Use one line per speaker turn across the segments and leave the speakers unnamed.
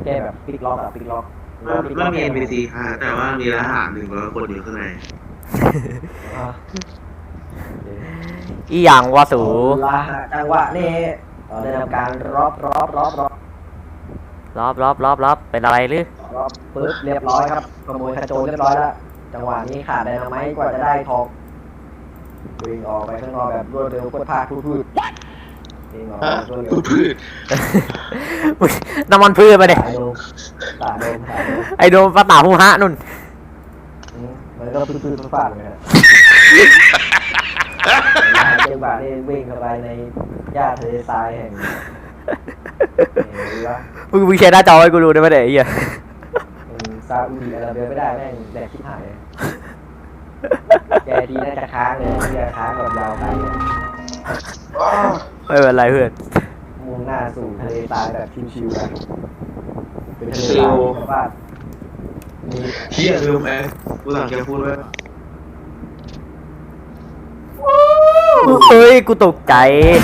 แก้แบบปิกล็อกอะปิกล็อก
ไม่มี NPC ค่ะแต่ว่ามีทหาร100 คนอยู่ข้างใน
อ่ะ
อีหยังวะสู
ลาจังหวะนี้เราได้ทำการรอบ
เป็นอะไรหรือ
ปึ๊บเรียบร้อยครับขโมยขโจรเรียบร้อยแล้วจังหวะนี้ขาดไดนาไมต์กว่าจะได้ทองวิ่งออกไปข้างนอกแบบรวดเร็วโคตรพาคพูดวิ่งออกไปรวดเร็ว
พืช
น้ำมันพืชไปเด็
สายโดม
ไอโดมปะตาหูฮะนุ่น
มันก็พื้นฟาดเลยครับจังหวะนี้วิ่งเข้าไปในหญ้าทะเลทรายแห่งนี้วะ
มึงแชร์หน้าจอให้กูดูได้ไหมเด็กไอ้เหี้ย
ซาอุดิอาระเบียไม่ได้แม่งแดกชิบหายเลยแกดีน่าจะค้างเลยที่จะค้างแบบยาวไป
ไม่เป็นไรเพื่อน
มุ่งหน้าสู่ทะเลทรายแบบชิวๆกันเป็นทะเลทรายแบบว่ามี
เฮียลืมกูสั่งแกพูดไว้
เฮ้ยกูตกใจ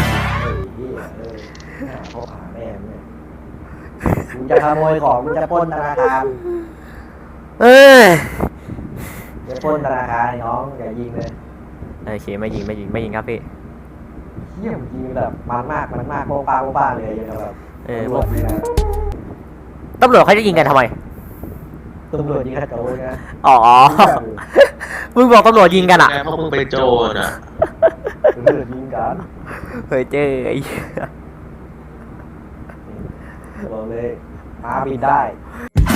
เขาหาแม่เนี่ยมึงจะขโมยของมึงจะปล้นธนาคาร
เอ้ย
จะปล้นธนาคารน้องอย่ายิงเลย
โอเคไม่ยิงครับพี่
เยี่ยมยิงแบบมันมากโป้งเลยอย่างแบบ
พวกตำรวจเขาจะยิงกันทำไม
ตำรวจยิงกระโจนนะ
อ๋อ มึงบอกตำรวจยิงกันอ่ะ
แกเพราะมึงเป็นโจรอ่ะ
ตำรวจยิงกัน
เฮ้ยเจ้ไอ้
บอกเลยมาบินได้